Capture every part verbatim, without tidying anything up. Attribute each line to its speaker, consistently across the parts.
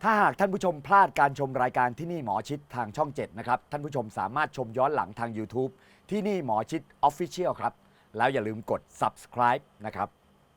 Speaker 1: ถ้าหากท่านผู้ชมพลาดการชมรายการที่นี่หมอชิดทางช่องเจ็ดนะครับท่านผู้ชมสามารถชมย้อนหลังทาง YouTube ที่นี่หมอชิด Official ครับแล้วอย่าลืมกด Subscribe นะครับ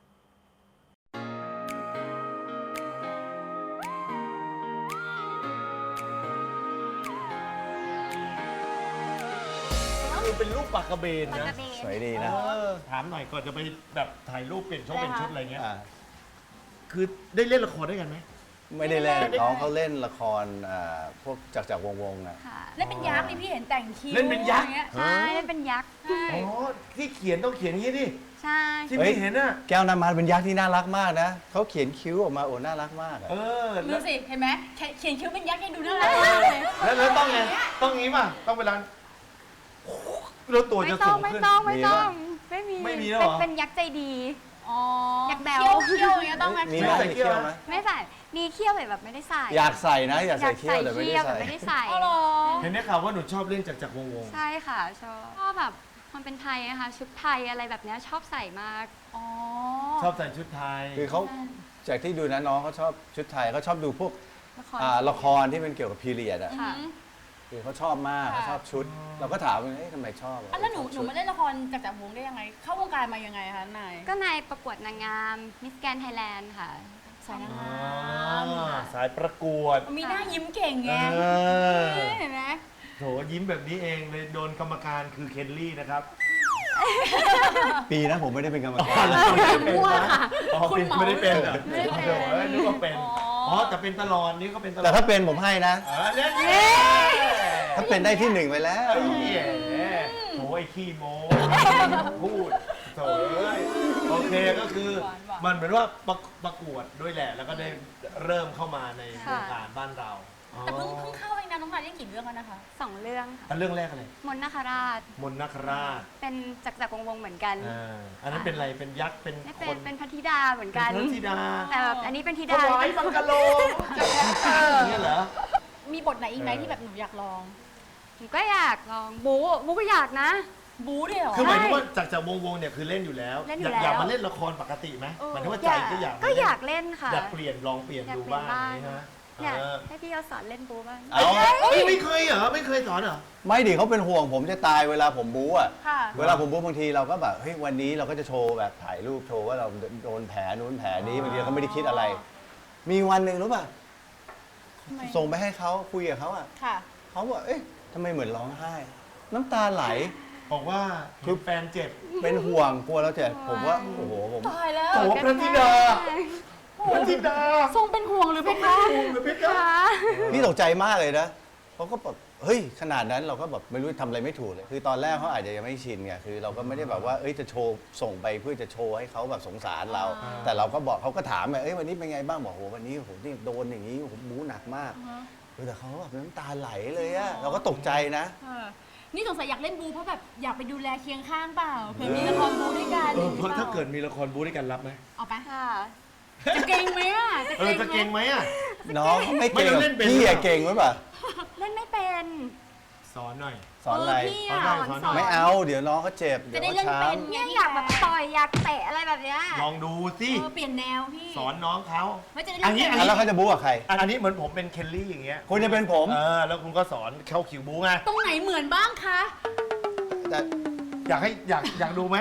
Speaker 2: เป็นรูปปากกระเบนนะ
Speaker 3: สวยดีนะ
Speaker 2: เออถามหน่อยก่อนจะไปแบบถ่ายรูปเปลี่ยนช่องเป็นชุดอะไรเงี้ย
Speaker 3: อ่า
Speaker 2: คือได้เล่นละครด้วยกันไหม
Speaker 3: ไม่ได้เล่นน้องเขาเล่นละครอ่าพวกจากจากวงวงนะ
Speaker 4: ค่ะ
Speaker 5: เล่นเป็นยักษ์นี่พี่เห็นแต่งคิ้ว
Speaker 2: เล่นเป็นยักษ์
Speaker 5: อย่างงี้
Speaker 4: ใช่เล่นเป็นยักษ์
Speaker 5: ใช่
Speaker 2: อ๋อที่เขียนต้องเขียนอย่างนี้ดิ
Speaker 4: ใช่
Speaker 2: ที่
Speaker 3: เฮ้
Speaker 2: ไม่
Speaker 3: ย
Speaker 2: เห็นอ่ะ
Speaker 3: แก้วน้ำมันเป็นยักษ์ที่น่ารักมากนะเขาเขียนคิ้วออกมาโอ้น่ารักมากอะ
Speaker 2: เออ
Speaker 5: ดู
Speaker 2: แล้ว
Speaker 5: สิเห็นไหมเขียนคิ้วเป็นยักษ์ยังดูน่ารักมากเลย
Speaker 2: แล้วแล้วต้องไงต้องงี้ป่ะต้องเวลาแล้วตัว
Speaker 4: ไม่
Speaker 2: จะ
Speaker 4: ต้
Speaker 2: สู
Speaker 4: อง
Speaker 2: ง
Speaker 4: ไม่
Speaker 2: ขึ้น
Speaker 4: ต้องไม่ต้องไม่มี
Speaker 2: ไม่มีแล้วเหรอ
Speaker 4: เป็นเป็นยักษ์ใจดี
Speaker 5: อ๋อ
Speaker 4: ยักษ์แบ๊ว
Speaker 5: เขี้ยวเขี้ยวอย่างเงี้ยต้องไหม
Speaker 3: มีไหม
Speaker 2: ใส่
Speaker 3: มี
Speaker 2: เขี้
Speaker 3: เขี้
Speaker 2: ย
Speaker 3: ยว ว
Speaker 2: ไห
Speaker 3: ไห
Speaker 2: ม
Speaker 3: ม
Speaker 4: ไม่ใส่มีเขี้ยวแต่แบบไม่ได้ใส่
Speaker 3: อยากใส่นะอยาก
Speaker 4: อ
Speaker 3: ใส่
Speaker 4: ยาก
Speaker 3: เขี้ย
Speaker 4: ใส่
Speaker 3: วแต่ไม่ได้
Speaker 4: เขี้ยว
Speaker 3: ใส่
Speaker 4: แต่ไม่ได้ใส่
Speaker 5: อ๋อเหรอ
Speaker 2: เห็นได้ข่าวว่าหนูชอบเล่นจากจากวงวง
Speaker 4: ใช่ค่ะชอบชอบแบบมันเป็นไทยนะคะชุดไทยอะไรแบบเนี้ยชอบใส่มาก
Speaker 5: อ๋อ
Speaker 2: ชอบใส่ชุดไทย
Speaker 3: คือเขาจากที่ดูนะน้องเขาชอบชุดไทยเขาชอบดูพวก
Speaker 4: ละคร
Speaker 3: อ่าละครที่เป็นเกี่ยวกับพีเรียดอะ
Speaker 4: ค่ะ
Speaker 3: คือเขาชอบมากเขาชอบชุด เราก็ถามว่าเอ๊ะทำไมชอบ
Speaker 5: อ่ะแล้วหนู
Speaker 3: ชอบ
Speaker 5: หนู
Speaker 3: ชุด
Speaker 5: มาเล่นละครจากจากวงได้ยังไง เข้าวงการมายังไงคะนาย
Speaker 4: ก็ในประกวดนางงามมิสแกนไทยแลนด์ค่ะ
Speaker 5: สายนาง
Speaker 2: อ๋
Speaker 5: ง
Speaker 2: อ
Speaker 5: าม
Speaker 2: สายประกวด
Speaker 5: มีหน้ายิ้มเก่งไง
Speaker 2: เออ
Speaker 5: เห็นไหม
Speaker 2: โถยิ้มแบบนี้เองเลยโดนกรรมการคือเคนลี่นะครับ
Speaker 3: ปีนะผมไม่ได้เป็นกรรม
Speaker 2: อ๋
Speaker 3: กา
Speaker 2: อ
Speaker 3: ร
Speaker 2: แล้วไม่ได้เป็น
Speaker 5: มั่ว
Speaker 2: นะ
Speaker 5: ค่ะ
Speaker 2: อ๋อ
Speaker 5: คุณ
Speaker 2: เป็น
Speaker 5: เหมา
Speaker 2: ไม่ได้เป็นเหรอ
Speaker 5: ไม่ได้เป็น
Speaker 2: โถ่อ้ยนึกว่าเป็น
Speaker 5: อ๋อ
Speaker 2: อ๋อแต่เป็นตลอดนี่ก็เป็นตลอด
Speaker 3: แต่ถ้าเป็นผมให้นะ
Speaker 2: เออเนี่ย
Speaker 3: ถ้าเป็นได้ที่หนึ่งไปแล้ว
Speaker 2: ไอ้เหี้ยโถไอ้ขี้โม้พูดโถเอ้ยโอเคก็คือมันเหมือนว่าประประกวดด้วยแหละ แล้วก็ได้เริ่มเข้ามาในวงการบ้านเรา
Speaker 5: แต่เพิ่งเพิ่งเข้าเองนะน้องนายเล่นกี่เรื่องแล้วนะคะ
Speaker 4: สองเรื่องค่ะ
Speaker 2: อันเรื่องแรกอะไร
Speaker 4: มนต์นาคราช
Speaker 2: มนต์นาคราช
Speaker 4: เป็นจักรจักรวงศ์เหมือนกัน
Speaker 2: อ่าอันนั้นเป็นอะไรเป็นยักษ์เป็น
Speaker 4: ไม่
Speaker 2: ค
Speaker 4: เป็น
Speaker 2: น
Speaker 4: เป็นพระธิดาเหมือนกัน
Speaker 2: เป็นพระธิดา
Speaker 4: แต่แบบอันนี้เป็นธิ
Speaker 2: ถ
Speaker 4: ดาว
Speaker 2: ายบังกะโลอย่างเงี้ยเหรอ
Speaker 5: มีบทไหนอีกไหมที่แบบหนูอยากลอง
Speaker 4: ผมก็อยากลองบูบูก็อยากนะ
Speaker 5: บู๊ด้วยเหรอ
Speaker 2: คือหมายถึงว่าจากจากวงวงเนี่ยคือเล่นอยู่แล้ว
Speaker 4: เล่นอยู่
Speaker 2: อยากอยาก
Speaker 4: แล้ว
Speaker 2: มาเล่นละครปกติไหม
Speaker 5: เออ
Speaker 2: หมายถึงว่าใจก็อยาก
Speaker 4: ก็อยากเล่นค่ะ
Speaker 2: อยากเปลี่ยนลองเปลี่ยน
Speaker 4: อยาก
Speaker 2: ดู
Speaker 4: เปลี่ย
Speaker 2: บ้าน
Speaker 4: น
Speaker 2: อย่าง
Speaker 4: บ้าง
Speaker 2: นี้ฮะ
Speaker 4: อยาก
Speaker 2: เออ
Speaker 4: ให้พี่เขาสอนเล่นบูบ้าง
Speaker 3: เอา
Speaker 2: เอ้ยไม่เคยเหรอไม่เคยสอนเหรอ
Speaker 3: ไม่ดิเขาเป็นห่วงผมจะตายเวลาผมบู๊อ่ะ
Speaker 5: ค่ะ
Speaker 3: เวลาผมบู๊บางทีเราก็แบบเฮ้ยวันนี้เราก็จะโชว์แบบถ่ายรูปโชว์ว่าเราโดนแผลนู้นแผลนี้บางทีเราก็ไม่ได้คิดอะไร มีวันหนึ่งรู้ป่ะ
Speaker 5: ทำไม
Speaker 3: ส่งไปให้เขาคุยกับเขาอ่ะ
Speaker 5: ค่ะ
Speaker 3: เขาบอกเอ๊ะทำไมเหมือนร้องไห้ น้ำตาไหล
Speaker 2: บอกว่าคือแฟนเจ็บ
Speaker 3: เป็นห่วงกลัวเราเจ็บผมว่าโอ้โหผม
Speaker 5: ตายแล้ว
Speaker 2: โอ้พระธิดาพระธิดา
Speaker 5: ทรงเป็นห่วงหรือเป็นคะ
Speaker 2: หรือเพชร
Speaker 4: ค่ะ
Speaker 3: พี่ตกใจมากเลยนะเขาก็แบบเฮ้ยขนาดนั้นเราก็แบบไม่รู้ทำอะไรไม่ถูกเลย คือตอนแรกเขาอาจจะยังไม่ชินไงคือเราก็ไม่ได้แบบว่าเอ้ยจะโชว์ส่งไปเพื่อจะโชว์ให้เขาแบบสงสารเรา แต่เราก็บอกเขาก็ถามไงเอ้ยวันนี้เป็นไงบ้างบอกโหวันนี้ผมนี่โดนอย่างนี้ผมบู๊หนักมากเออแต่เขาแบบน้ำตาไหลเลยอะเราก็ตกใจนะ
Speaker 5: เออนี่สงสัยอยากเล่นบูเพราะแบบอยากไปดูแลเคียงข้างเปล่าเผื่อมีละครบูด้วยกัน
Speaker 2: เออเพราะถ้าเกิดมีละครบู๊ด้วยกันรับไหม
Speaker 5: เอาไป
Speaker 4: ค่ะ
Speaker 5: จะเก่งไหมอ่ะ
Speaker 2: เออจะเก่งไหมอ่ะ
Speaker 3: น้องเขาไม่เก่ง
Speaker 2: ไม่เราเล่นเป็น
Speaker 3: พี่
Speaker 2: หรือเป
Speaker 3: อะ
Speaker 2: ล่า
Speaker 3: เก่งไหมป่ะ
Speaker 4: เล่นไม่เป็น
Speaker 2: สอนหน่อย
Speaker 3: สอนอะไร
Speaker 5: เพี่อ่ะ
Speaker 2: สอนหน่อยสอนหน่ย
Speaker 3: ไม่เอาเดี๋ยวน้องเขาเจ็บเดี๋
Speaker 5: จะ
Speaker 3: ยว
Speaker 5: ได้
Speaker 3: เขา
Speaker 5: เล่น
Speaker 3: ช้
Speaker 5: เป็นไง
Speaker 4: เนี่ยอยากแบบต่อยอยากเตะอะไรแบบเนี้ย
Speaker 2: ลองดูสิ
Speaker 5: เออเปลี่ยนแนวพี่
Speaker 2: สอนน้องเขา
Speaker 5: ไม่จะได้
Speaker 2: อัน
Speaker 5: เล่
Speaker 2: นี้
Speaker 5: น
Speaker 3: ำอ่ะแล้วเขาจะบู๊กับใคร
Speaker 2: อันนี้เหมือนผมเป็นเคนลี่อย่างเงี้ย
Speaker 3: คุณจะเป็นผม
Speaker 2: เออแล้วคุณก็สอนเข้าคิวบู๊ไง
Speaker 5: ตรงไหนเหมือนบ้างคะ
Speaker 3: แต่
Speaker 2: อยากให้อยากอยากดูไหม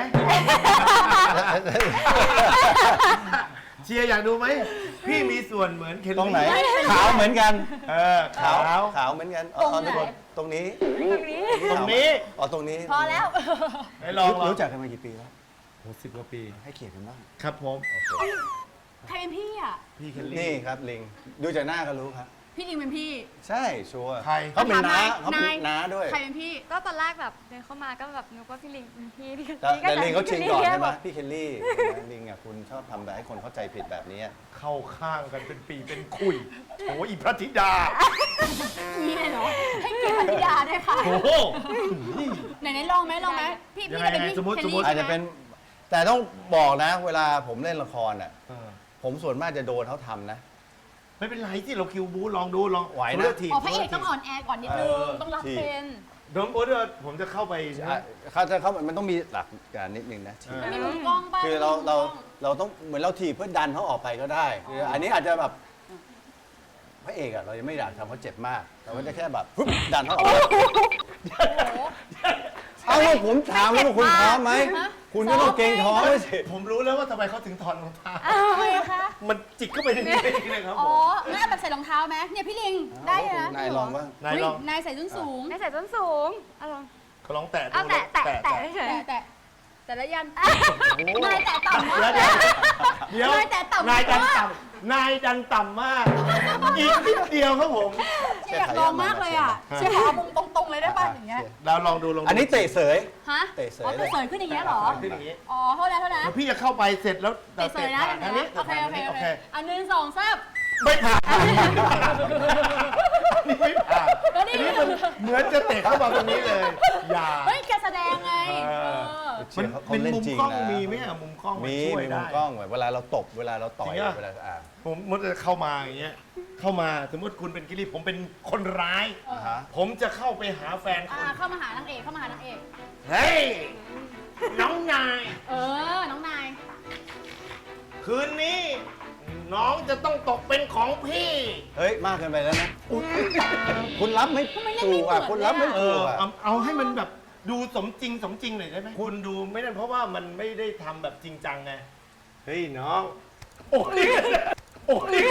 Speaker 2: เชียร์อยากดูไหมพี่มีส่วนเหมือนเคนลี่
Speaker 3: ตรงไหนขาวเหมือนกัน
Speaker 2: เออขาว
Speaker 3: ขาวเหมือนกันอ๋อตอนนี้ตรงนี้
Speaker 4: ตรงนี้
Speaker 2: ตรงนี้
Speaker 3: อ๋อตรงนี้
Speaker 5: พอแล้ว
Speaker 2: ไปลองลอง
Speaker 3: รู้จักกันมากี่ปีแล้ว
Speaker 2: โหสิบกว่าปี
Speaker 3: ให้เกียรติกันบ้าง
Speaker 2: ครับผม
Speaker 5: ใครเป็นพี่อ่ะ
Speaker 2: พี่เคน
Speaker 3: นี่
Speaker 2: ลี่
Speaker 3: ครับลิงดูจากหน้าก็รู้ครับ
Speaker 5: พี่ลิงเป็นพี่
Speaker 3: ใช่ชัวร์
Speaker 2: ใคร
Speaker 3: เขาเป็นน้า
Speaker 5: ถาม
Speaker 3: เขาเป็น
Speaker 5: นาย
Speaker 3: น้าด้วย
Speaker 5: ใครเป็นพี่
Speaker 4: ก็ตอนแรกแบบเดินเข้ามาก็แบบนึกว่าพี่ลิงเป็นพี่พี่
Speaker 3: แต่แต่ลิงเขาชิงก่อนใช่ไหม
Speaker 4: แบบ
Speaker 3: พี่เคลลี่ลิงอ่ะคุณชอบทำแบบให้คนเข้าใจผิดแบบนี้
Speaker 2: เข้าข้างกันเป็นปีเป็นคุยโอ้อีพระธิดา
Speaker 5: นี่เลยเหรอ ให้เกียรติพัทยาด้วยค่ะ
Speaker 2: โอ้โห
Speaker 5: ไหนๆลองไหมลองไหมพี่
Speaker 2: ยัง
Speaker 5: พี่
Speaker 2: ไง
Speaker 5: จะเป็นพี่
Speaker 2: สมมุติ
Speaker 5: เคล
Speaker 2: สมมุติ
Speaker 5: ลี่
Speaker 3: อาจจะ
Speaker 5: ใช่
Speaker 3: เป็
Speaker 5: ไห
Speaker 3: น
Speaker 5: ม
Speaker 3: แต่ต้องบอกนะ เวลาผมเล่นละครอ่ะ
Speaker 2: เออ
Speaker 3: ผมส่วนมากจะโดนเขาทำนะ
Speaker 2: ไม่เป็นไรที่เราคิวบูลองดูลอง
Speaker 3: ไหวนะ
Speaker 2: เลือกทีม
Speaker 5: อ๋อพระเอกต้องอ่อนแอก่อนนิดนึง
Speaker 2: เออ
Speaker 5: ต้องรับ
Speaker 3: ที่
Speaker 5: เป็น
Speaker 2: น้องโอ๊ตเดี๋ยวผมจะเข้าไป
Speaker 3: อ่ะเขาจะเขามันต้องมีหลักการนิดนึงนะ
Speaker 2: เออ
Speaker 5: มันมีมุมกล้องป่ะ
Speaker 3: คือเรา
Speaker 5: มีมุมก
Speaker 3: เรา
Speaker 5: ล้อง
Speaker 3: เราต้องเหมือนเราถีบเพื่อดันเขาออกไปก็ได้คืออันนี้อาจจะแบบพระเอกเอกอะเรายังไม่อยากทำเขาเจ็บมากเราก็จะแค่แบบฮึบดันเขาออกมาเอาว่าผมถามว่าคุณพร้อมไหมคุณก็ต้องเกรงท้องไว้สิ
Speaker 2: ผมรู้แล้วว่าทำไมเขาถึงถอดรองเท้า
Speaker 5: ทำไมอะคะ
Speaker 2: มันจิกเข้าไปในนี้เลยครับผ
Speaker 5: อ๋อ
Speaker 2: ม
Speaker 5: งั้นเอาแบบใส่รองเท้าไหมเนี่ยพี่ลิงได้นะ
Speaker 3: นายลองบ้าง
Speaker 2: นายลอง
Speaker 5: เฮ้นายใส่ส้นสูง
Speaker 4: ไม่ใส่ส้นสูงเอาลอง
Speaker 2: เขาลองแตะดู
Speaker 4: เอาแตะแตะแตะเฉย
Speaker 5: แต่แต่แต่ละยัน
Speaker 2: โอ้
Speaker 5: นายแตะต่ำมาก
Speaker 2: แล้วเดี๋ยวเดี๋ยวน
Speaker 5: ายแตะต่ำ
Speaker 2: นายดัน
Speaker 5: มาก
Speaker 2: ต่ำนายดันต่ำมาก อีกนิดเดียวครับผม
Speaker 5: ที่อยากลองมากเลยอ่ะเชียร์ขอมุมตรงๆเลยได้ป่ะอย่างเงี้ย
Speaker 2: เราลองดูลองดู
Speaker 3: อันนี้เตะเสย
Speaker 5: ฮะ
Speaker 3: เตะเสย
Speaker 5: อ๋อเตะเสยขึ้นอย่างเงี้ยเหรอ
Speaker 2: ขึ้นอย่างนี้
Speaker 5: อ๋อโทษนะโทษนะ
Speaker 2: แล้วพี่จะเข้าไปเสร็จแล้ว
Speaker 5: เตะเสยนะ
Speaker 2: ผ่านทางนี้
Speaker 5: โอเคโอเค
Speaker 2: โอ
Speaker 5: โอ
Speaker 2: เค
Speaker 5: เคอันหนึ่งสองสาม
Speaker 2: ไม่ผ่านนี่ไม่ผ่าน
Speaker 5: แล้วนี่
Speaker 2: อันนี้มันเหมือนจะเตะเข้ามาตรงนี้เลย อย่า
Speaker 5: เฮ้ยแกแสดงไง
Speaker 2: เออ
Speaker 5: เออ
Speaker 3: เชียร์เขาเขา
Speaker 2: เป็น
Speaker 3: เล่น
Speaker 2: มุม
Speaker 3: จริง
Speaker 2: กล้อง
Speaker 3: นะ
Speaker 2: มีไหมอะมุมกล้องน
Speaker 3: มี
Speaker 2: ช่วย
Speaker 3: มีมุ
Speaker 2: ได้
Speaker 3: มกล้องเวลาเราตบเวลาเราต่อย
Speaker 2: จริงอะ
Speaker 3: เวลาอ่า
Speaker 2: ผมมดจะเข้ามาอย่างเงี้ย เข้ามาสมมติคุณเป็นกิริผมเป็นคนร้าย
Speaker 3: อ่าฮะ
Speaker 2: ผมจะเข้าไปหาแฟนคุ
Speaker 5: อ่า
Speaker 2: ณ
Speaker 5: เข้ามาหานางเอกเข้ามาหานางเอก
Speaker 2: เฮ้ย น้องนาย
Speaker 5: เออ น้องนาย
Speaker 2: คืนนี้ น้องจะต้องตกเป็นของพี่
Speaker 3: เฮ้ย มากเกินไปแล้วนะ คุณรับไม่
Speaker 5: ทำไมเล่น
Speaker 3: ถู
Speaker 5: ไม่
Speaker 3: ก
Speaker 5: เหมื
Speaker 3: อ่ะ
Speaker 5: อน
Speaker 3: คุณรับไม่
Speaker 2: เอ
Speaker 3: ถู
Speaker 2: อก
Speaker 3: อ่ะ
Speaker 2: เอาเอาให้มันแบบดูสมจริงสมจริงหน่อยได้ไหมคุณดูไม่ได้เพราะว่ามันไม่ได้ทำแบบจริงจังไง เฮ้ยน้อง โอ้ยโอ้ย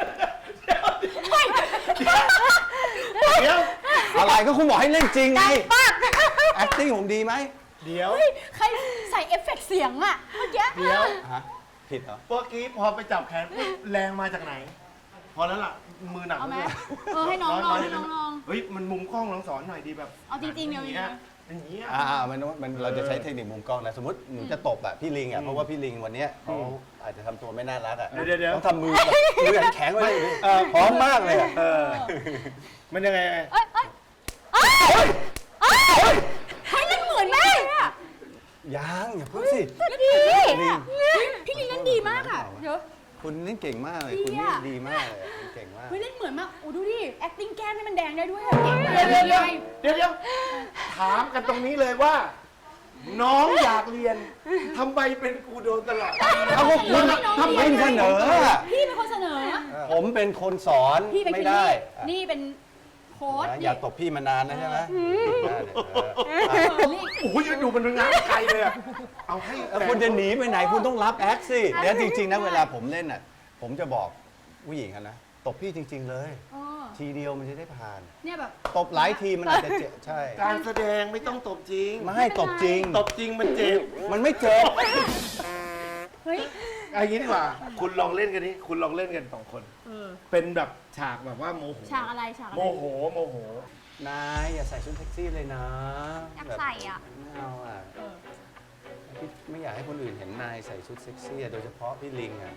Speaker 2: เดี๋ยว
Speaker 3: อะไรก็คุณบอกให้เล่นจริงไง acting ผมดีไหม
Speaker 2: เดี๋ยว
Speaker 5: เฮ้ย ใครใส่เอฟเฟกต์เสียงอะเมื่อกี้
Speaker 2: เดี๋ยว
Speaker 3: ฮะ ผิดเหรอ
Speaker 2: เมื่อกี้พอไปจับแขนปุ๊บแรงมาจากไหน พอแล้วล่ะ มือหนัก
Speaker 5: เอาไหม
Speaker 2: แล้ว
Speaker 5: เออให้น้องลองให้น้องลอง
Speaker 2: เฮ้ย มันมุมกล้องลองสอนหน่อยดีแบบ
Speaker 5: เอาจริงๆเดี๋ยว
Speaker 2: อย่างเงี้ยอย่างเงี้ย
Speaker 3: อ่ามันมันเราจะใช้เทคนิคมุมกล้องนะ สมมติหนูจะตบอ่ะพี่ลิงอ่ะ เพราะว่าพี่ลิงวันเนี้ยเขาอาจจะทำตัวไม่น่ารักอ่ะ
Speaker 2: เดี๋ยวเดี๋ยว
Speaker 3: ต้องทำมือแบบมือแข็งๆไว้เลยดิพร้อมมากเลยอะ
Speaker 2: เออ มันยังไง
Speaker 4: เอ้ยเอ้ยเอ้ยเอ้ยเฮ้ยเล่นเหมือนมากเลยอะ
Speaker 3: ยังอย่าพูดสิ
Speaker 5: ดี
Speaker 3: ลิง
Speaker 5: พี่ลิงเล่นดีมากอะเดี๋ยว
Speaker 3: คุณนี่เก่งมากเลย
Speaker 5: ดี
Speaker 3: คุณนี่
Speaker 5: อะ
Speaker 3: ดีมากเลยอะคุณเก่งมาก
Speaker 5: เฮ้ยเล่นเหมือนมาก โอ้ดูดิ acting แก้มให้มันแดงได้ด้วยอะเก่ง
Speaker 2: เดี๋ยว
Speaker 5: เล
Speaker 2: เดี๋ยวย เดี๋ยวเดี๋ยวถามกันตรงนี้เลยว่า น้องอยากเรียนทำไมเป็นกูโดนตลอด
Speaker 3: เอาก็คุณทำเป็นเสนออะ
Speaker 5: พี่เป็นคนเสนอ
Speaker 3: ผมเป็นคนสอน
Speaker 5: พี่เป็น
Speaker 3: ไม่
Speaker 5: คิล
Speaker 3: ได้
Speaker 5: ลี่
Speaker 3: อะ
Speaker 5: นี่เป็นโค้ช
Speaker 3: นะอย่าตบพี่มานานนะใช่ไหมได้เลยเออ
Speaker 5: นี่
Speaker 2: โอ้ยดูมันงานไกลเลยอะเอาให้
Speaker 3: แล้วคุณจะหนีไปไหนคุณต้องรับแอคสิเดี๋ยวจริงๆนะเวลาผมเล่นอ่ะ ผมจะบอกผู้หญิงอะนะตบพี่จริง ๆ เลย
Speaker 5: เออ
Speaker 3: ทีเดียวมันจะได้ผ่าน
Speaker 5: เนี่ยแบบ
Speaker 3: ตบหลายทีมันอาจจะเจ็บใช่
Speaker 2: การแสดงไม่ต้องตบจริง
Speaker 3: ไม่ให้ตบจริง
Speaker 2: ตบจริงมันเจ็บ
Speaker 3: มันไม่เจ็บ
Speaker 5: เฮ้ย
Speaker 2: เอย่างนี้ดีกว่า คุณลองเล่นกันนี้คุณลองเล่นกันสองคน
Speaker 5: เออ
Speaker 2: เป็นแบบฉากแบบว่าโมโห
Speaker 5: ฉากอะไรฉากอะไร
Speaker 2: โมโหโมโห
Speaker 3: นายอย่าใส่ชุดเซ็กซี่เลยนะ
Speaker 4: อยากใส่อะ
Speaker 3: แบบไม่เอาอ่ะ
Speaker 5: เออ
Speaker 3: พี่ไม่อยากให้คนอื่นเห็นนายใส่ชุดเซ็กซี่อะโดยเฉพาะพี่ลิงอ่ะ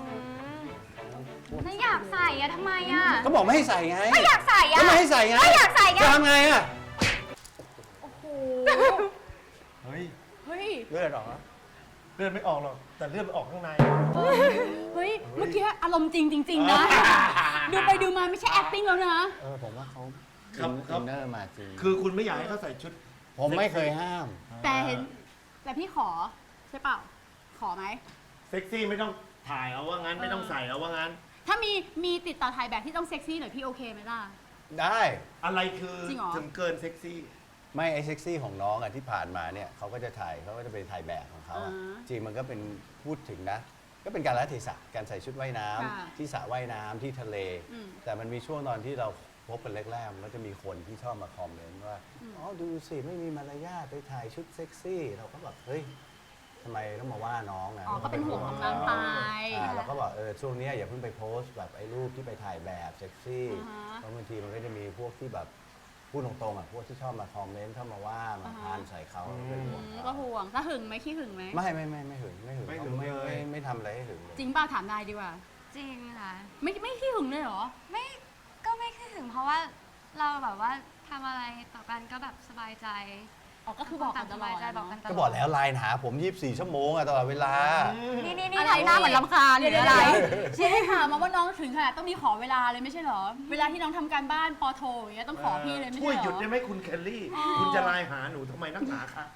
Speaker 4: ไม่อยากใส่อะทำไมอะ
Speaker 3: ก็บอกไม่ให้ใส่ไง
Speaker 4: ไม่อยากใส่อะ
Speaker 3: ก็ไม่ให้ใส่ไง
Speaker 4: ไม่อยากใส่ไง
Speaker 3: จะทำไงอ่ะ
Speaker 5: โอ้โห
Speaker 2: เฮ้ย
Speaker 5: เฮ้ย
Speaker 3: เลือดออกแล้ว
Speaker 2: เลือดไม่ออกหรอก แต่เลือดมันออกข้างใน
Speaker 5: เฮ้ย เมื่อกี้อารมณ์จริงจริง ๆ นะ ดูไปดูมาไม่ใช่ acting แล้วนะ
Speaker 3: เออผมว่าเขา
Speaker 2: ครับครับ
Speaker 3: อินเนอร์มาจริง
Speaker 2: คือคุณไม่อยากให้เขาใส่ชุด
Speaker 3: ผมไม่เคยห้าม
Speaker 5: แต่เห็น แต่พี่ขอ ใช่เปล่า ขอไหม
Speaker 2: เซ็กซี่ไม่ต้องถ่ายเอาว่างั้น ไม่ต้องใส่เอาว่างั้น
Speaker 5: ถ้ามีมีติดต่อถ่ายแบบที่ต้องเซ็กซี่หน่อยพี่โอเคไหมล่ะ
Speaker 3: ได้
Speaker 2: อะไรคือ
Speaker 5: จริงเหรอ
Speaker 2: ถึงเกินเซ็กซี่
Speaker 3: ไม่ไอเซ็กซี่ของน้องอ่ะที่ผ่านมาเนี่ยเขาก็จะถ่ายเขาก็จะไปถ่ายแบบของเขาอะ
Speaker 5: อ่า
Speaker 3: จริงมันก็เป็นพูดถึงนะ ก็เป็นการละเทศะการใส่ชุดว่ายน้ำ
Speaker 5: ค่ะ
Speaker 3: ที่สระว่ายน้ำที่ทะเล
Speaker 5: อืม
Speaker 3: แต่มันมีช่วงตอนที่เราพบกันแรกๆมันก็จะมีคนที่ชอบมาคอมเมนต์ว่าอ๋อดูสิไม่มีมารยาทไปถ่ายชุดเซ็กซี่ เราก็แบบเฮ้ยทำไมต้องมาว่าน้องนะ
Speaker 5: อ๋อ ก็เป็นห่วงของนางไป
Speaker 3: อ่าเราก็บอกเออช่วงเนี้ยอย่าเพิ่งไปโพสต์แบบไอ้รูปที่ไปถ่ายแบบเซ็กซี่
Speaker 5: อ่าฮะ
Speaker 3: เพราะบางทีมันก็จะมีพวกที่แบบพูดตรงๆอ่ะพวกที่ชอบมาคอมเมนต์เข้ามาว่ามา
Speaker 5: อ่าฮะ
Speaker 3: พานใส่เขาเป็นห่วง
Speaker 5: อืม
Speaker 3: เขา
Speaker 5: ก็ห่วง ถ้าหึงไหมขี้หึงไหม
Speaker 3: ไม่ไม่ไม่ไม่หึงไม่หึง
Speaker 2: ไม่หึง
Speaker 3: ไม่
Speaker 2: เลย
Speaker 3: ไม่ไม่ทำอะไรให้หึงเลย
Speaker 5: จริงป่ะถามนายดีกว่า
Speaker 4: จริงค่ะ
Speaker 5: ไม่ไม่ขี้หึงเลยเหรอ
Speaker 4: ไม่ก็ไม่คิดถึงเพราะว่าเราแบบว่าทำอะไรต่อกันก็แบบสบายใจ
Speaker 5: อ๋อ ก็คือบอกกันตลอด
Speaker 4: สบายใจบอกกันตลอด
Speaker 3: ก็บอกแล้วไลน์หาผมยี่สิบสี่ชั่วโมงอะตลอดเวลา
Speaker 4: นี่นี่นี่
Speaker 5: อะไร
Speaker 4: ทำหน้าเหมือนลำคาญห
Speaker 5: เดี๋
Speaker 4: รื
Speaker 5: ยว
Speaker 4: อ
Speaker 5: อะ
Speaker 4: อะไร ไร
Speaker 5: เชียร์ให้ถามมาว่าน้องถึงขนาดต้องมีขอเวลาเลยไม่ใช่เหรอ เวลาที่น้องทำการบ้านปอโทอย่างเงี้ยต้องขอพี่เลยไม่
Speaker 2: ช่วย
Speaker 5: ใช่เหรอ
Speaker 2: หยุดได้ไหมคุณแคลรี่
Speaker 5: อ๋อ
Speaker 2: คุณจะไลน์หาหนูทำไมนักหนาคะ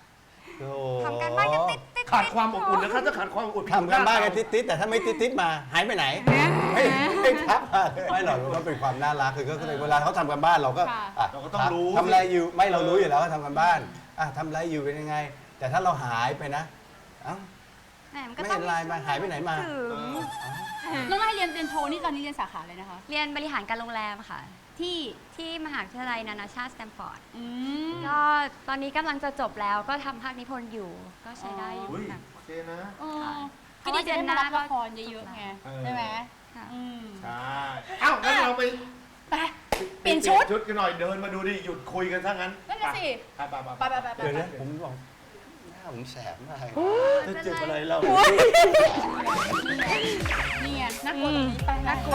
Speaker 3: โอ้
Speaker 4: ทำการบ้านก็ติดติด
Speaker 2: ขาดความอบอุ่นนะครับถ้าขาดความอบอุ่น
Speaker 3: ทำกันบ้านกันติดๆแต่ถ้าไม่ติดๆมาหายไปไหนไม่ไม่ทักมาเลยไม่หรอกมันก็เป็นความน่ารักคือก็คือเวลาเขาทำกันบ้านเราก็
Speaker 5: ค่ะ
Speaker 3: อ่ะ
Speaker 2: เราก็ต้องรู้
Speaker 3: ทำอะไรอยู่ไม่เรารู้อยู่แล้วว่าทำกันบ้านอ่ะทำอะไรอยู่เป็นยังไง แต่ถ้าเราหายไปนะเอ้า
Speaker 4: แหมมันก็
Speaker 3: ไม่
Speaker 4: ต้อ
Speaker 3: เห็
Speaker 4: ง
Speaker 3: นไลน์มาหายไปไหนมา
Speaker 4: ถึง
Speaker 5: น้องไล่เรียนเรียนโทนี่ตอนนี้เรียนสาขาเลยนะคะ
Speaker 4: เรียนบริหารการโรงแรมค่ะ
Speaker 5: ที่
Speaker 4: ที่มหาวิทยาลัยนานาชาติสแตมฟอร์ด
Speaker 5: อืม
Speaker 4: ก็ตอนนี้กำลังจะจบแล้วก็ทำภาคนิพนธ์อยู่ ก็ใช้ได้อยู่
Speaker 2: อุ้ย
Speaker 4: ค่ะ
Speaker 2: โอเคนะ
Speaker 5: เออ
Speaker 4: เพ
Speaker 5: ก็
Speaker 4: ราะ
Speaker 5: ดี
Speaker 4: ว่า
Speaker 5: จะได้มารับ
Speaker 4: เดือนหน้า
Speaker 5: ละครเยอะๆไง
Speaker 2: เออ
Speaker 5: ใช่ไหม
Speaker 4: ค่ะ
Speaker 5: อืม
Speaker 2: ใช่เอ้างั้นเราไป
Speaker 5: ไปเปลี่ยนชุด
Speaker 2: ชุดกันหน่อยเดินมาดูดิหยุดคุยกันซะงั้น
Speaker 5: นั่นน่ะสิ
Speaker 2: ไปไป
Speaker 5: ไปไปไปไป
Speaker 3: เดี๋ยวนะผมบอกหน้าผมแสบมากเลย
Speaker 2: จะเจ็บอะไรเรา
Speaker 5: นี่ไงน่ากลัวตรงนี้ไป
Speaker 4: น่ากลัว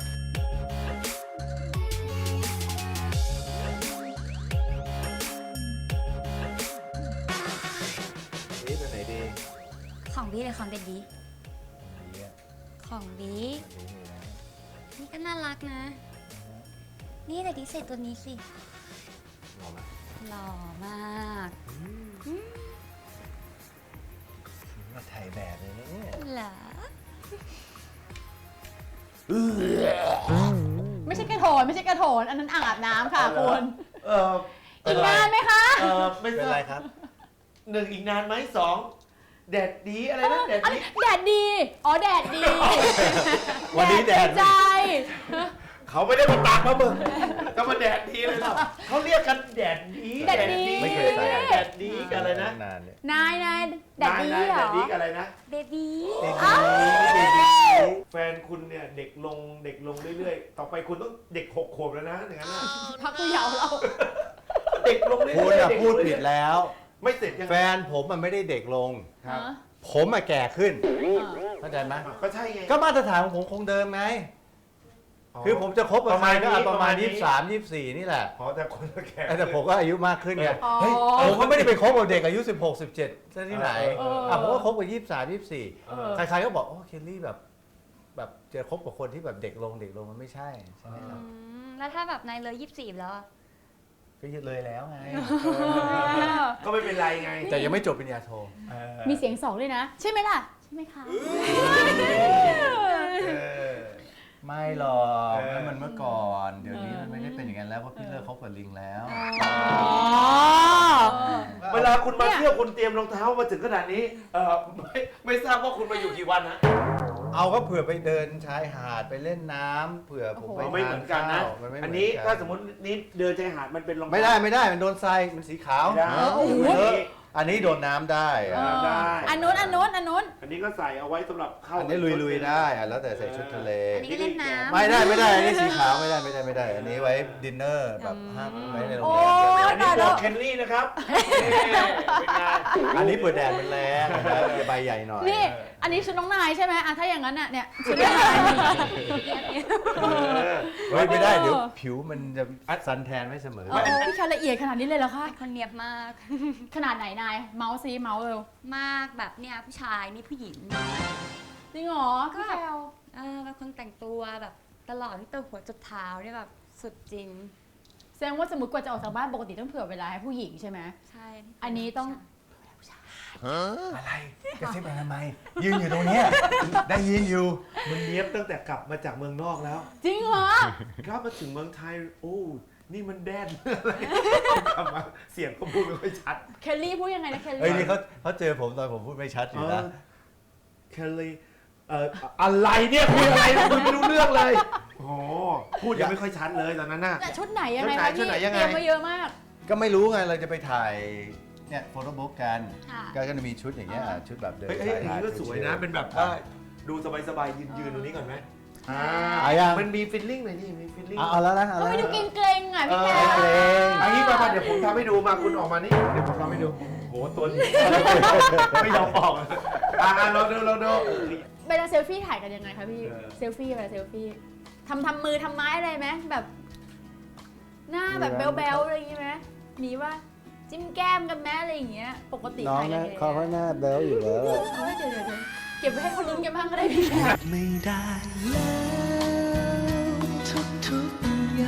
Speaker 3: นี่เป็นไหนดี
Speaker 4: ของบีเลยของเด็ดดี ของบีนี่ก็น่ารักนะ นี่แต่ดีใส่ตัวนี้สิ
Speaker 3: หล่อไหม
Speaker 4: หล่อมาก
Speaker 3: มาถ่ายแบบเลยเนี่ย
Speaker 4: เหรอ
Speaker 5: ไม่ใช่กระโถนไม่ใช่กระโถนอันนั้นอ่างอาบน้ำค่ะคุณ
Speaker 2: เออ
Speaker 5: อีกนานไหมคะ
Speaker 2: เออไม่
Speaker 3: เป็น
Speaker 2: ทรา
Speaker 3: ไร
Speaker 2: บ
Speaker 3: ครับ
Speaker 2: หนึ่งอีกนานไหมสองแดดดีอะไรนะแดด
Speaker 5: อัน
Speaker 2: ดี
Speaker 5: นี้แดดดี อ๋อแดดดี
Speaker 3: วันนี้แดด
Speaker 5: ใจ
Speaker 2: เขาไม่ได้มาตากมาเบิ่งจะมาแดดดีเลยเหรอเขาเรียกกันแดดดี
Speaker 5: แดดดี
Speaker 3: ไม่เคยใส่
Speaker 2: แดดดีกันอะไรนะ
Speaker 3: นานเนี่ย
Speaker 5: นายนายแดดดี
Speaker 2: นาย
Speaker 5: เหร
Speaker 2: แด
Speaker 5: อ
Speaker 2: ดดีกันอะไรนะ
Speaker 4: เบบี
Speaker 2: แฟนคุณเนี่ยเด็กลงเด็กลงเรื่อยๆ ต่อไปคุณต้องเด็กหกขวบแล้วนะอย่างนั้นน่ะ
Speaker 5: พักผู้เยาว์เรา
Speaker 2: เด็กลงเรื่อยๆ
Speaker 3: คุณอะ
Speaker 2: เก
Speaker 3: พูด
Speaker 2: ลง
Speaker 3: ผิ
Speaker 2: เรื่
Speaker 3: ด
Speaker 2: อย
Speaker 3: แล้ว
Speaker 2: ๆไม่เสร็จยัง
Speaker 3: แฟนผมมันไม่ได้เด็กลง
Speaker 2: ครับ
Speaker 3: ผมมาแก่ขึ้นเข้าใจไหม
Speaker 2: ก็ใช่ไง
Speaker 3: ก็มาตรฐานของผมคงเดิมไง คือผมจะคบกับใครก็เอาประมาณยี่สิบสามยี่สิบสี่นี่แหละ
Speaker 2: พอแต่คนละแก่
Speaker 3: แต่ผมก็อายุมากขึ้นไง
Speaker 5: อ๋อ
Speaker 3: เฮ้ยผมก็ไม่ได้ไปคบกับเด็กอายุสิบหก สิบเจ็ดซะที่ไหน
Speaker 5: เออ
Speaker 3: อ่ะผมก็คบกับยี่สิบสาม ยี่สิบสี่
Speaker 2: เออ
Speaker 3: ใครๆก็บอกโอ้เคลลี่แบบ แบบจะคบกับคนที่แบบเด็กลงเด็กลงมันไม่ใช่ใช่ไหมครับ
Speaker 4: อืมแล้วถ้าแบบนายเลยยี่สิบสี่แล้วอะ
Speaker 3: ก็ยึดเลยแล้วไง
Speaker 2: ก็ไม่เป็นไรไง
Speaker 3: แต่ยังไม่จบปริญญาโท
Speaker 2: เออ
Speaker 5: มีเสียงสองด้วยนะ ใช่ไหมล่ะ ใช่ไหมคะ
Speaker 2: เออ
Speaker 3: ไม่หรอก
Speaker 2: เออ
Speaker 3: นั่นมันเมื่อก่อน เดี๋ยวนี้มันไม่ได้เป็นอย่างนั้นแล้วเพราะพี่เลิกคบกับลิงแล้ว
Speaker 5: อ๋อ
Speaker 2: เวลาคุณมาเที่ยวคุณเตรียมรองเท้ามาถึงขนาดนี้เออไม่ไม่ทราบว่าคุณมาอยู่กี่วันนะ
Speaker 3: เอาก็เผื่อไปเดินชายหาดไปเล่นน้ำเผื่อผมไป
Speaker 2: เราไม่เหมือนกันนะ
Speaker 3: ทาข้าวมัไม่เหมื
Speaker 2: อั
Speaker 3: อน
Speaker 2: นี้
Speaker 3: กั
Speaker 2: ถ้าสมมตินี้เดินชายหาดมันเป็นรองเท้า
Speaker 3: ไม่ได้ไม่ได้มันโดนทรายมันสีขาว
Speaker 2: ไม่ได้
Speaker 3: เออ
Speaker 2: อันนี้
Speaker 3: อันนี้โดนน้ำได้
Speaker 5: เอ
Speaker 3: อ่ะ
Speaker 5: อ
Speaker 2: ได้
Speaker 5: อันนู้นอันนู้นอันนู้น
Speaker 2: อันนี้ก็ใส่เอาไว้สำหรับเข้า
Speaker 3: อันนี้ลุยๆได้อ่ะแล้วแต่ใส่ชุดทะเล
Speaker 4: อันนี้ก็เล่นน้ำ
Speaker 3: ไม่ได้ไม่ได้อันนี้สีขาวไม่ได้ไม่ได้ไม่ได้ อันนี้ไว้ดินเนอร์แบบห้ามไว้ในโรง
Speaker 5: โอ้
Speaker 3: แรม
Speaker 2: อันนี้บอกเคนลี่นะครับนี่เป็นไง
Speaker 3: อันนี้เปิดแดดมันแรงนะครับใบใหญ่หน่อย
Speaker 5: นี่ อันนี้ชุดน้องนายใช่ไหมอ่ะถ้าอย่างนั้นน่ะเนี่ยชุดน้องนาย
Speaker 2: เออ
Speaker 3: เฮ้ยไม่ได้เดี๋ยวผิวมันจะสันแทนไม่เสมอ
Speaker 5: เออพี่แคละเอียดขนาดนี้เลยเหรอคะ
Speaker 4: เป็นคนเนียบมาก
Speaker 5: ขนาดไหนนาย เมาส์ซีเมาส์เร็ว
Speaker 4: มากแบบเนี่ยผู้ชายนี่ผู้หญิง
Speaker 5: จริงเหรอ
Speaker 4: ก็
Speaker 5: พี่
Speaker 4: แบ
Speaker 5: แค
Speaker 4: บ
Speaker 5: ล
Speaker 4: เออเป็นคนแต่งตัวแบบตลอดตั้งแต่หัวจนเท้าเนี่ยแบบสุดจริง
Speaker 5: แสดงว่าสมมติกว่าจะออกจากบ้านปกติต้องเผื่อเวลาให้ผู้หญิงใช่ไหม
Speaker 4: ใช่
Speaker 5: อันนี้ต้อง
Speaker 3: อะไรกระซิบอะไรทำไมยืนอยู่ตรงเนี้ยได้ยินอยู่
Speaker 2: มันเนี้ยบตั้งแต่กลับมาจากเมืองนอกแล้ว
Speaker 5: จริงเหรอ
Speaker 2: กลับมาถึงเมืองไทย โอ้ นี่มันแดนอะไรกลับมาเสียงก็พูดไม่ค่อยชัด
Speaker 5: เคลลี่พูดยังไงนะเคล
Speaker 3: เฮ้ย
Speaker 5: ลี่
Speaker 3: นี่เขาเขาเจอผมตอนผมพูดไม่ชัดอยู่นะ
Speaker 2: เคลลี่เอ่ออะไรเนี่ยคุยอะไรคุยไม่รู้เรื่องเลย โอ้โหพูดยังไม่ค่อยชัดเลยตอนนั้นน่ะ
Speaker 5: แต่ชุดไหนยังไง
Speaker 2: ชุดไหนชุดไหน
Speaker 5: คะพี่
Speaker 2: ยังไง
Speaker 5: เตรียมมาเยอะมาก
Speaker 3: ก็ไม่รู้ไงเราจะไปถ่ายเนี่ยโฟโต้บุ๊กกัน
Speaker 4: ค่ะ
Speaker 3: ก็จะมีชุดอย่างเงี้ยอ่ะชุดแบบเดิน
Speaker 2: เฮ้ยเฮ้ย
Speaker 3: ชาย
Speaker 2: อย่าง
Speaker 3: หาด
Speaker 2: นี้ก็สวยนะ เป็นแบบว่าดูสบายๆยืนยืนตรงนี้ก่อนไหมอ่า
Speaker 3: เอายัง
Speaker 2: มันมีฟิลลิ่งหน่อยนี่มีฟิลลิ่ง
Speaker 3: เอาเอาแล้วนะเอา
Speaker 5: ก็
Speaker 3: แล้ว
Speaker 5: ไม่ดู
Speaker 3: นะ
Speaker 5: เกรงๆอ่ะพี่แคล
Speaker 3: เกรง
Speaker 2: อันนี้มาเดี๋ยวผมทำให้ดูมาคุณออกมานี่เดี๋ยวผมทำให้ดูโหตัวนี้ไม่ยอมออกอ่าเราดูเราดู
Speaker 5: เวลาเซลฟี่ถ่ายกันยังไงคะพี่
Speaker 2: เออ
Speaker 5: เซลฟี่เวลาเซลฟี่ทำทำมือทำไม้อะไรไหมแบบ หน้าแบบแบ๊วๆอะไรอย่างงี้ไหมมีว่าจิ้มแก้มกันไหมอะไรอย่างเงี้ย ปกติ
Speaker 3: น้อง
Speaker 5: ถ่ายกัน
Speaker 3: นะ
Speaker 5: ยังไง
Speaker 3: เขาก็หน้าเบลอยู่แล้วอะ
Speaker 5: เฮ้ยเดี๋ยวเดี๋ยวเดี๋ยวเก็บไว้ให้เขาลุ้นกันบ้างก็ได้พี่แคล
Speaker 6: ไม่ได้แล้วทุกๆ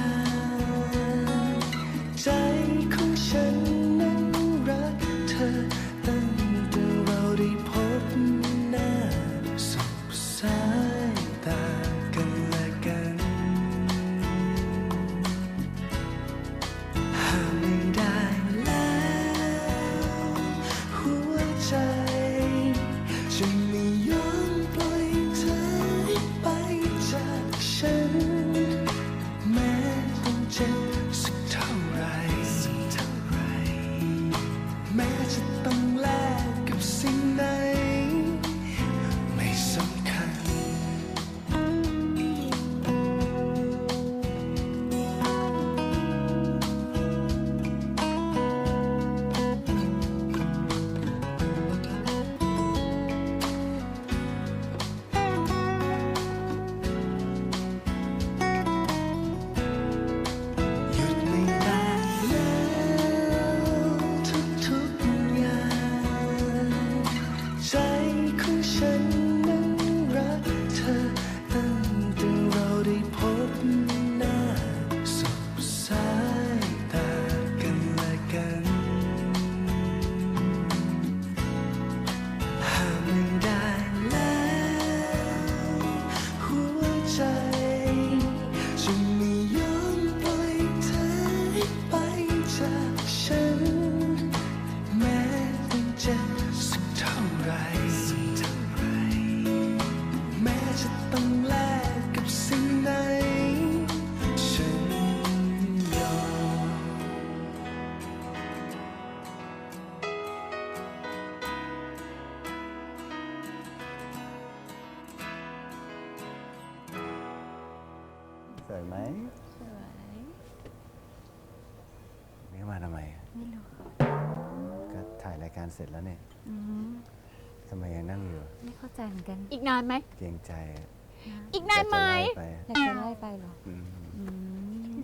Speaker 6: อย่างใจของฉันนั้นรักเธอแต่
Speaker 3: สวยไหม
Speaker 4: สวย
Speaker 3: นี่มาทำไม
Speaker 4: ไม่รู้
Speaker 3: ก็ถ่ายรายการเสร็จแล้วเนี่ย
Speaker 4: อืม
Speaker 3: ทำไมยังนั่งอยู่
Speaker 4: ไม่เข้าใจเหมือนกัน
Speaker 5: อีกนานไหม
Speaker 3: เกรงใจอะ
Speaker 5: อีกนานไหม
Speaker 3: อยากจะไล่ไป
Speaker 4: อยากจะไล่ไปเหรอ
Speaker 3: อืม
Speaker 4: อืม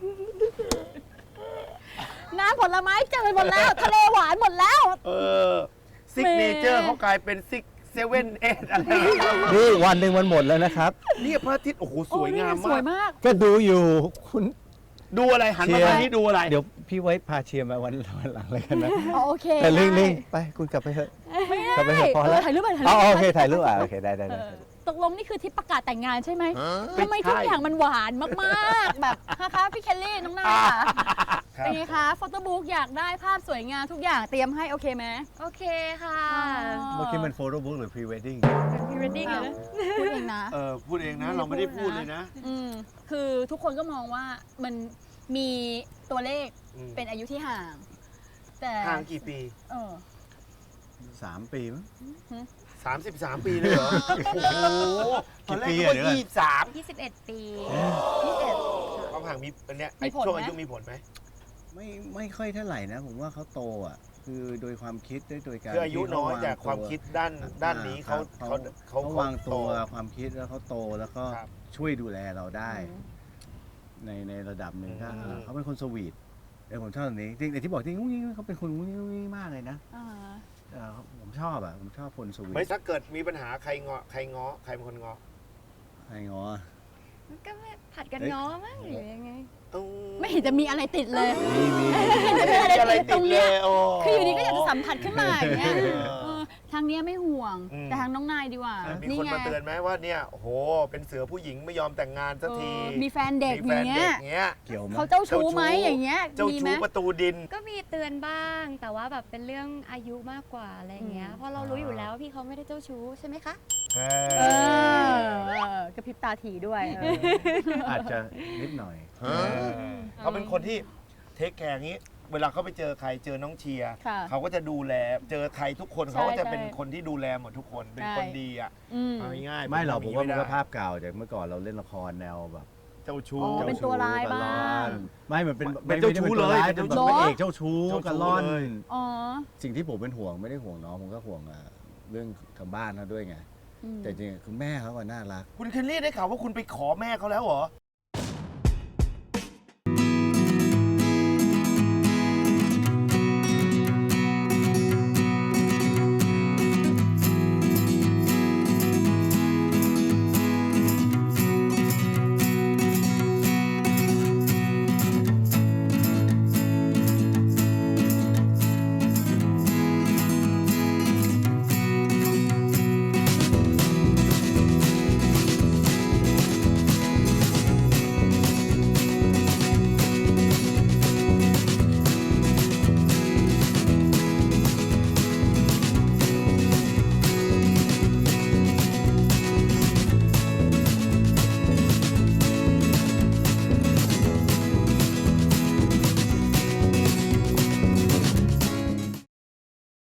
Speaker 5: น้ำผลไม้เจอหมดแล้ว ทะเลหวานหมดแล้ว
Speaker 2: เออซิกเนเจอร์เขากลายเป็นซิกเซเว่นเอทอะไร
Speaker 3: นี่วันหนึ่งมันหมดแล้วนะครับ
Speaker 2: เนี่ยพระอาทิตย์โอ้โหสวยงาม
Speaker 5: สวย
Speaker 2: มาก
Speaker 5: มาก
Speaker 3: ก็ดูอยู่คุณ
Speaker 2: ดูอะไรหันมาทางนี้ดูอะไร
Speaker 3: เดี๋ยวพี่ไว้พาเชียร์มาวันวันหลังเลยกันนะ
Speaker 5: อ๋อโอเค
Speaker 3: แต่ลิง
Speaker 5: ได้
Speaker 3: ลิงไปคุณกลับไปเถอะ
Speaker 5: ไม่ได้
Speaker 3: กลับไปเถอะพอแล้ว
Speaker 5: เถ่ายรูปไปถ่ายรู
Speaker 3: อ๋อ
Speaker 5: ป
Speaker 3: โอเคถ่ายรูปอ่ะโอเคได้ได้ได้
Speaker 5: ตกลงนี่คือที่ประกาศแต่งงานใช่ไหม
Speaker 2: ไม่
Speaker 5: ทำไม
Speaker 2: ใช่
Speaker 5: ทุกอย่างมันหวานมากๆ แบบฮะคะพี่เคลลี่น้องนายค่ะ
Speaker 2: ครับ
Speaker 5: เป็นไงคะโฟโต้บุ๊กอยากได้ภาพสวยงามทุกอย่างเตรียมให้โอเคไหม
Speaker 4: โอเคค่ะ
Speaker 3: เมื่อกี้มันโฟโต้บุ๊กหรือพรีเวดดิ้ง
Speaker 4: เป็นพรีเวดดิ้งเลยนะ
Speaker 5: พูดเองนะ
Speaker 2: เออพูดเองนะ เราไม่ได้พูดเลยนะ
Speaker 5: อืมคือทุกคนก็มองว่ามันมีตัวเลข
Speaker 2: อืม
Speaker 5: เป็นอายุที่ห่าง แต่
Speaker 2: ห่างกี่ปี
Speaker 5: เออ
Speaker 3: สามปีมั้ง
Speaker 2: สามสิบสามปีเลยเหรอ โอ้โหตอนแรก
Speaker 3: กี่ปี
Speaker 2: ก็
Speaker 3: อะเดี๋ยวก่อน
Speaker 2: ยี่สิบสาม
Speaker 4: ยี่สิบเอ็ดปี
Speaker 5: ยี่สิบเอ็ด
Speaker 2: ความห่างมีอันเนี้ย
Speaker 5: มี
Speaker 2: ไอ้
Speaker 5: ผล
Speaker 2: ช่วง
Speaker 5: ไหม
Speaker 2: อายุมีผลไหม
Speaker 3: ไม่ไม่ค่อยเท่าไหร่นะ ผมว่าเขาโตอ่ะ คือโดยความคิดด้วยโดยการ
Speaker 2: คืออายุ
Speaker 3: ที่เข
Speaker 2: น้อย
Speaker 3: ง
Speaker 2: แต่ความ
Speaker 3: ตัว
Speaker 2: คิดด้านด้านนี้เขา
Speaker 3: ครับ
Speaker 2: เขาเขา
Speaker 3: เขาวางตัว
Speaker 2: โ
Speaker 3: ความคิดแล้วเขาโตแล้วก็
Speaker 2: ครับ
Speaker 3: ช่วยดูแลเราได้ ในในระดับหนึ่งก็
Speaker 2: อืม
Speaker 3: เขาเป็นคนสวีทเออผมชอบแบบนี้จริงแต่ที่บอกจริงงุ้งงิ้งเขาเป็นคนงุ้งงิ้งงุ้งงิ้งมากเลยนะ
Speaker 5: อ่า
Speaker 3: เออผมชอบอ่ะผมชอบคนสวีท
Speaker 2: ไม่ถ้าเกิดมีปัญหาใครงอใครง้อใครเป็นคนง้อ
Speaker 3: ใครงอ
Speaker 4: มันก็ไม่ผัดกัน
Speaker 3: เอ้ย
Speaker 4: ง้อมั้งหรือยังไง
Speaker 2: อื
Speaker 5: ไม่เห็นจะมีอะไรติดเลย
Speaker 3: มีมี
Speaker 5: ไม่มีอะไร
Speaker 2: อะไร
Speaker 5: ติดต
Speaker 2: ติ
Speaker 5: ร
Speaker 2: ด
Speaker 5: ง
Speaker 2: เล
Speaker 5: เนี้ย
Speaker 2: ยโอ้
Speaker 5: คืออยู่ดีก็อยากจะสัมผัสขึ้นมาอย่างเงี้ย
Speaker 2: เออ
Speaker 5: เออทางเนี้ยไม่ห่วง
Speaker 2: อืม
Speaker 5: แต่ทางน้องนายดีกว่า
Speaker 2: มี
Speaker 5: นี่
Speaker 2: คน
Speaker 5: ไง
Speaker 2: มาเตือนไหมว่าเนี่ยโอ้โหเป็นเสือผู้หญิงไม่ยอมแต่งงานสักที
Speaker 5: เออมีแฟนเด็ก
Speaker 2: มี
Speaker 5: อ
Speaker 2: แฟน
Speaker 5: ย่างเงี้
Speaker 2: เด็
Speaker 5: ย
Speaker 2: กเงี้ย
Speaker 3: เกี่ยวไหม
Speaker 5: เขาเจ้าชู้ไหม
Speaker 2: เจ้าชู้
Speaker 5: อย่างเงี้ย
Speaker 2: เจ้า
Speaker 5: มีไหม
Speaker 2: ชู้ประตูดิน
Speaker 4: ก็มีเตือนบ้าง แต่ว่าแบบเป็นเรื่องอายุมากกว่าอะไรอย่างเงี้ย
Speaker 5: อืม
Speaker 4: เพราะเรารู้อยู่แล้วว่าพี่เขาไม่ได้เจ้าชู้ใช่ไหมคะ
Speaker 2: เอ
Speaker 5: เอ
Speaker 2: อ
Speaker 5: อเออกระพริบตาถี่ด้วยเออ
Speaker 3: อาจจะนิดหน่อย
Speaker 2: เขาเป็นคนที่เทคแคร์งี้ เวลาเขาไปเจอใครเจอน้องเชียร์
Speaker 5: ค่ะ
Speaker 2: เขาก็จะดูแลเจอใครทุกคน
Speaker 5: ใช่
Speaker 2: เขาก็จะ
Speaker 5: ใช่
Speaker 2: เป็นคนที่ดูแลหมดทุกคนเป็น
Speaker 5: ใช่
Speaker 2: คนดีอ่ะ
Speaker 5: อืม
Speaker 2: เอาง่ายๆ
Speaker 3: ไม่หรอกผมว่ามันก็
Speaker 2: ไได้
Speaker 3: ภาพเก่าจากเมื่อก่อนเราเล่นละครแนวแบบ
Speaker 2: เจ้าชู้
Speaker 5: อ๋อเป็นตัวร้ายบ้าง
Speaker 3: ไม่มันเป็น
Speaker 2: เป็นเจ้าชู้เลย
Speaker 3: ไม่
Speaker 2: เป็
Speaker 3: ได้
Speaker 2: น
Speaker 3: เป็น
Speaker 2: เจ้าชู้
Speaker 3: ตัวร้ายเป็นแบบพระเอกเจ้าชู้
Speaker 2: เจ้าชู้
Speaker 3: กันล่อน
Speaker 2: เลย
Speaker 5: อ๋อ
Speaker 3: สิ่งที่ผมเป็นห่วงไม่ได้ห่วงน้องผมก็ห่วงอ่ะเรื่องทางบ้านเขาด้วยไง
Speaker 5: อืม
Speaker 3: แต่จริงๆคือแม่เขาอะน่ารัก
Speaker 2: คุณเคนลี่ได้ข่าวว่าคุณไปขอแม่เขาแล้วเหรอ